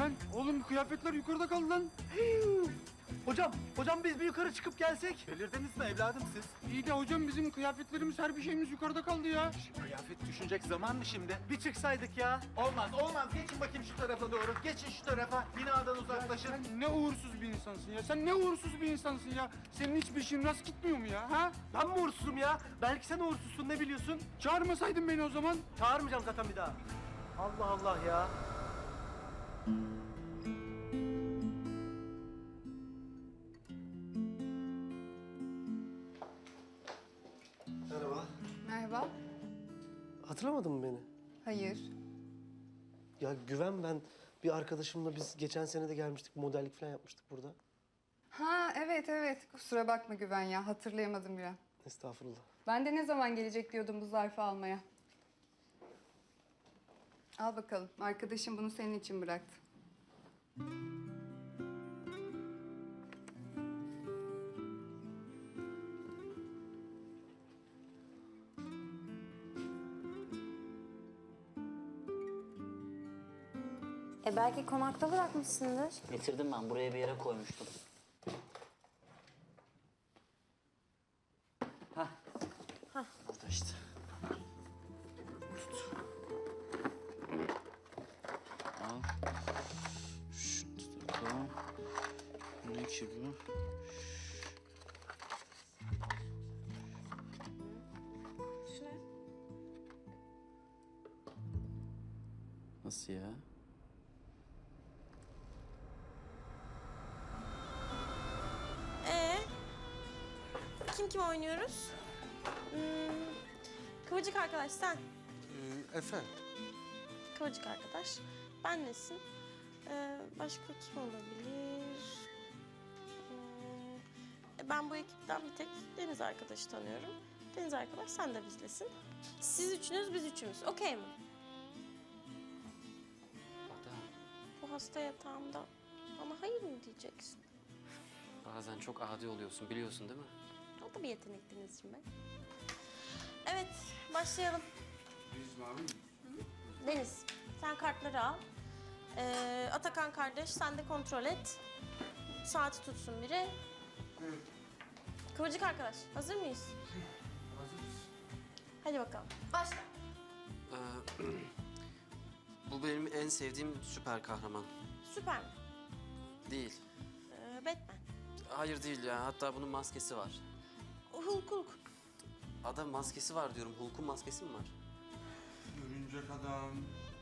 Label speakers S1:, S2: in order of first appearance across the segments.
S1: Güven, oğlum kıyafetler yukarıda kaldı lan.
S2: Hocam biz bir yukarı çıkıp gelsek.
S3: Delirdiniz mi evladım siz?
S1: İyi de hocam bizim kıyafetlerimiz, her bir şeyimiz yukarıda kaldı ya.
S3: Kıyafet düşünecek zaman mı şimdi?
S2: Bir çıksaydık ya.
S3: Olmaz. Geçin bakayım şu tarafa doğru. Geçin şu tarafa. Binadan uzaklaşın.
S1: Sen ne uğursuz bir insansın ya. Sen ne uğursuz bir insansın ya. Senin hiçbir işin rast gitmiyor mu ya? Ha?
S2: Ben mi uğursuzum ya? Belki sen uğursuzsun, ne biliyorsun?
S1: Çağırmasaydın beni o zaman.
S2: Çağırmayacağım zaten bir daha. Allah Allah ya. Merhaba.
S4: Merhaba.
S2: Hatırlamadın mı beni?
S4: Hayır.
S2: Ya Güven ben. Bir arkadaşımla biz geçen sene de gelmiştik. Modellik falan yapmıştık burada.
S4: Ha evet. Kusura bakma Güven ya. Hatırlayamadım bir an.
S2: Estağfurullah.
S4: Ben de ne zaman gelecek diyordum bu zarfı almaya. Al bakalım. Arkadaşım bunu senin için bıraktı.
S5: Belki konakta bırakmışsındır.
S6: Getirdim ben. Buraya bir yere koymuştum. Hah. Burada işte. Tut. Al. Şunu tut bakalım. Ne ki bu?
S5: Şu ne?
S6: Nasıl ya?
S7: Kim oynuyoruz? Kıvırcık arkadaş sen.
S2: Efe.
S7: Kıvırcık arkadaş. Ben nesin? Başka kim olabilir? Ben bu ekipten bir tek Deniz arkadaşı tanıyorum. Deniz arkadaş sen de bizlesin. Siz üçünüz, biz üçümüz. Okey mi? Bu hasta yatağımda bana hayır mı diyeceksin?
S8: Bazen çok adi oluyorsun, biliyorsun değil mi?
S7: O da bir yetenek Denizciğim ben. Evet, başlayalım.
S1: Biz mavi mi?
S7: Deniz, sen kartları al. Atakan kardeş, sen de kontrol et. Saati tutsun biri.
S1: Evet.
S7: Kıvırcık arkadaş, hazır mıyız?
S1: Hazırız.
S7: Hadi bakalım. Başla.
S8: Bu benim en sevdiğim süper kahraman.
S7: Süper mi?
S8: Değil.
S7: Batman.
S8: Hayır değil ya, hatta bunun maskesi var.
S7: Hulk.
S8: Adam maskesi var diyorum, Hulk'un maskesi mi var?
S1: Örümcek adam.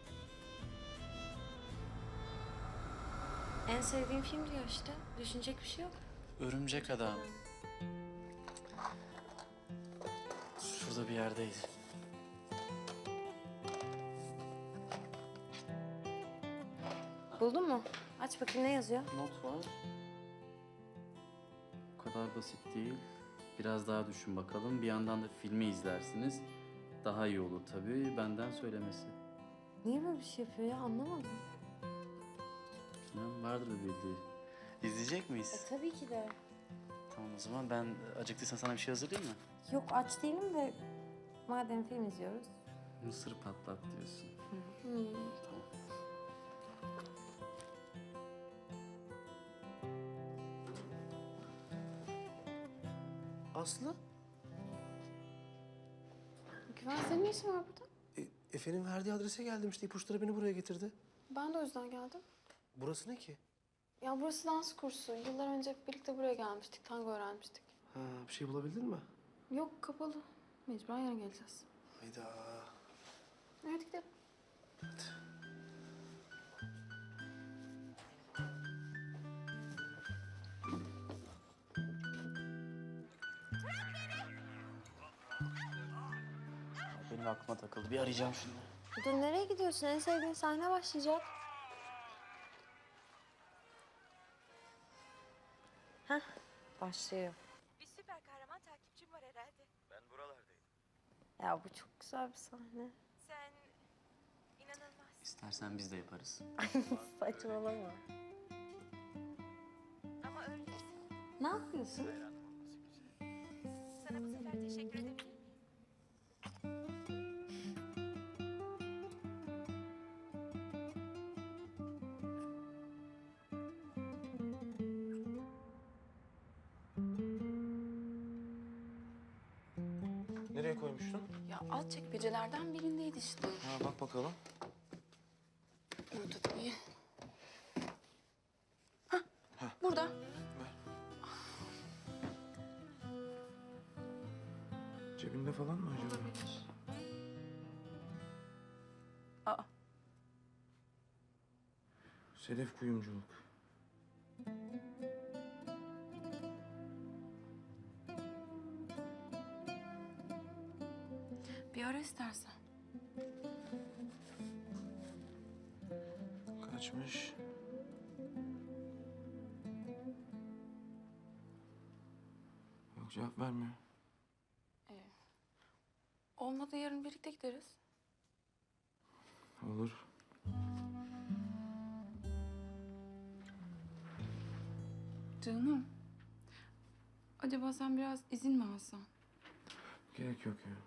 S5: En sevdiğim film diyor işte. Düşünecek bir şey yok.
S8: Örümcek adam. Şurada bir yerdeydi.
S5: Buldun mu? Aç bakayım ne yazıyor?
S6: Not var. Bu kadar basit değil. Biraz daha düşün bakalım. Bir yandan da filmi izlersiniz. Daha iyi olur tabii benden söylemesi.
S5: Niye böyle bir şey yapıyor ya anlamadım.
S6: Bilmem, vardır bir bildiği. İzleyecek miyiz?
S5: Tabii ki de.
S6: Tamam o zaman ben acıktıysan sana bir şey hazırlayayım mı?
S5: Yok aç değilim de madem film izliyoruz.
S6: Mısır patlat diyorsun. Tamam.
S2: Aslı?
S9: Güven senin ne işin var burada?
S2: Efe'nin verdiği adrese geldim işte. İpuçları beni buraya getirdi.
S9: Ben de o yüzden geldim.
S2: Burası ne ki?
S9: Ya burası dans kursu. Yıllar önce hep birlikte buraya gelmiştik. Tango öğrenmiştik.
S2: Ha, bir şey bulabildin mi?
S9: Yok kapalı. Mecburen yarın geleceğiz.
S2: Hayda.
S9: Evet gidelim.
S6: Benim aklıma takıldı. Bir arayacağım şimdi.
S5: Dur nereye gidiyorsun? En sevdiğin sahne başlayacak. Hah başlıyor.
S10: Bir süper kahraman takipçim var herhalde.
S3: Ben buralardayım.
S5: Ya bu çok güzel bir sahne.
S10: Sen inanılmaz.
S6: İstersen biz de yaparız.
S5: Saçmalama.
S10: Ama öylesin.
S5: Ne yapıyorsun?
S10: Sana bu sefer teşekkür edebilir miyim?
S11: Nereye koymuştun?
S9: Ya alt çekmecelerden birindeydi işte.
S11: Ha, bak bakalım.
S9: Burada değil. Hah, burada.
S11: Ver. Cebinde falan mı acaba?
S9: Aa.
S11: Sedef kuyumculuk.
S9: Bir ara istersen.
S11: Kaçmış? Yok, cevap vermiyor.
S9: Olmadı yarın birlikte gideriz.
S11: Olur.
S9: Canım. Acaba sen biraz izin mi alsan?
S11: Gerek yok ya.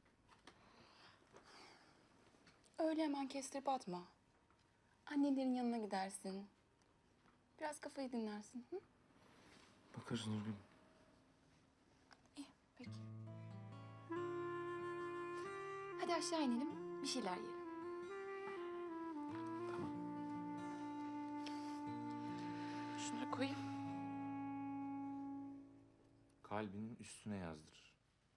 S9: Öyle hemen kestirip atma. Annelerin yanına gidersin. Biraz kafayı dinlersin. Hı?
S11: Bakarız Nurgül.
S9: İyi, peki. Hadi aşağı inelim, bir şeyler yiyelim.
S11: Tamam.
S9: Şunları koyayım.
S11: Kalbinin üstüne yazdır.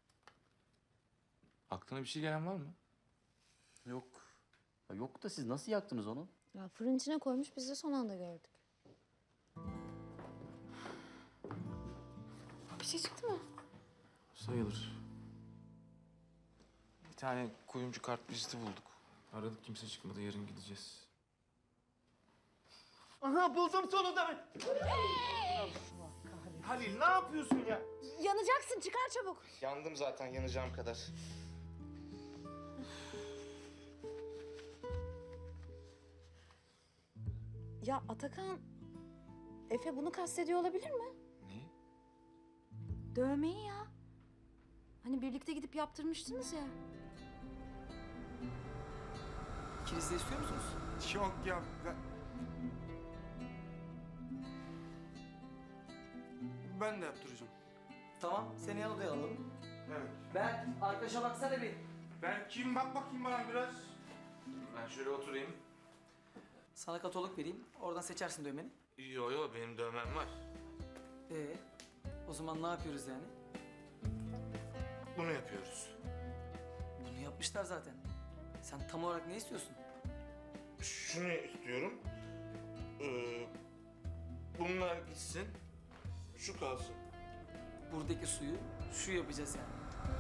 S11: Aklına bir şey gelen var mı?
S6: Yok. Ya yok da siz nasıl yaktınız onu?
S5: Ya fırın içine koymuş, biz de son anda gördük.
S9: Bir şey çıktı mı?
S11: Sayılır. Bir tane kuyumcu kart viziti bulduk. Aradık, kimse çıkmadı. Yarın gideceğiz.
S3: Aha buldum sonunda ben. Halil ne yapıyorsun ya?
S5: Yanacaksın, çıkar çabuk.
S3: Yandım zaten yanacağım kadar.
S5: Ya Atakan, Efe bunu kastediyor olabilir mi?
S11: Ne?
S5: Dövmeyi ya. Hani birlikte gidip yaptırmıştınız ya.
S8: İkiniz de istiyor musunuz?
S1: Yok ya. Ben de yaptıracağım.
S8: Tamam, seni yan odaya alalım.
S1: Evet.
S8: Ben arkadaşa baksana bir.
S1: Ben kim? Bak bakayım bana biraz.
S11: Ben şöyle oturayım.
S8: Sana katalog vereyim, oradan seçersin dövmeni.
S11: Yo benim dövmem var.
S8: O zaman ne yapıyoruz yani?
S11: Bunu yapıyoruz.
S8: Bunu yapmışlar zaten. Sen tam olarak ne istiyorsun?
S11: Şunu istiyorum. Bunlar gitsin. Şu kalsın.
S8: Buradaki suyu şu yapacağız yani.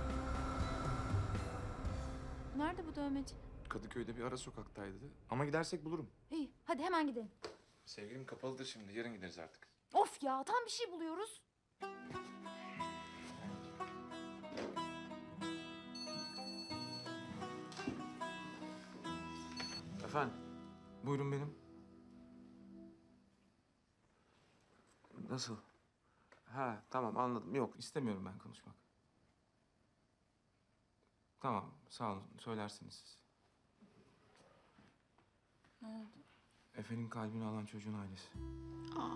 S5: Nerede bu dövmeci?
S11: Kadıköy'de bir ara sokaktaydı. Ama gidersek bulurum.
S5: İyi, hadi hemen gidelim.
S11: Sevgilim kapalıdır şimdi. Yarın gideriz artık.
S5: Of ya, tam bir şey buluyoruz.
S11: Efendim? Buyurun benim. Nasıl? Ha tamam anladım. Yok istemiyorum ben konuşmak. Tamam sağ olun söylersiniz siz.
S9: Ne oldu?
S11: Efe'nin kalbini alan çocuğun ailesi.
S9: Aa.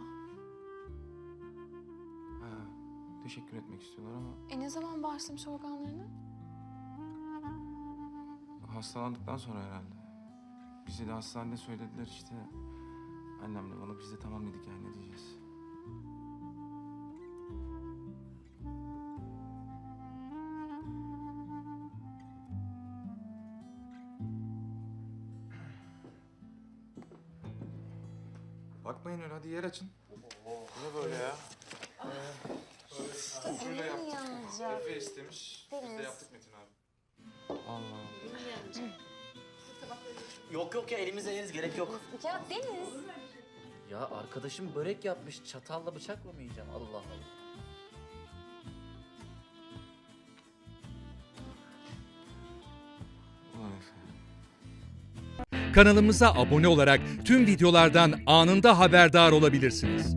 S11: Ha, teşekkür etmek istiyorlar ama
S9: Ne zaman başlamış organlarına?
S11: hastalandıktan sonra herhalde. Bize de hastanede söylediler işte. Annemle bana biz de tamam dedik yani ne diyeceğiz. Bakmayın öyle hadi yer açın. Ne böyle ya? Şöyle yaptık. Efe istemiş. Biz de yaptık Metin abi. Allah Allah.
S8: Yok yok ya, elimizle yeriz, gerek yok.
S5: Ya Deniz.
S6: Ya arkadaşım börek yapmış. Çatalla bıçakla mı yiyeceğim? Allah Allah.
S11: Ulan Efe.
S12: Kanalımıza abone olarak tüm videolardan anında haberdar olabilirsiniz.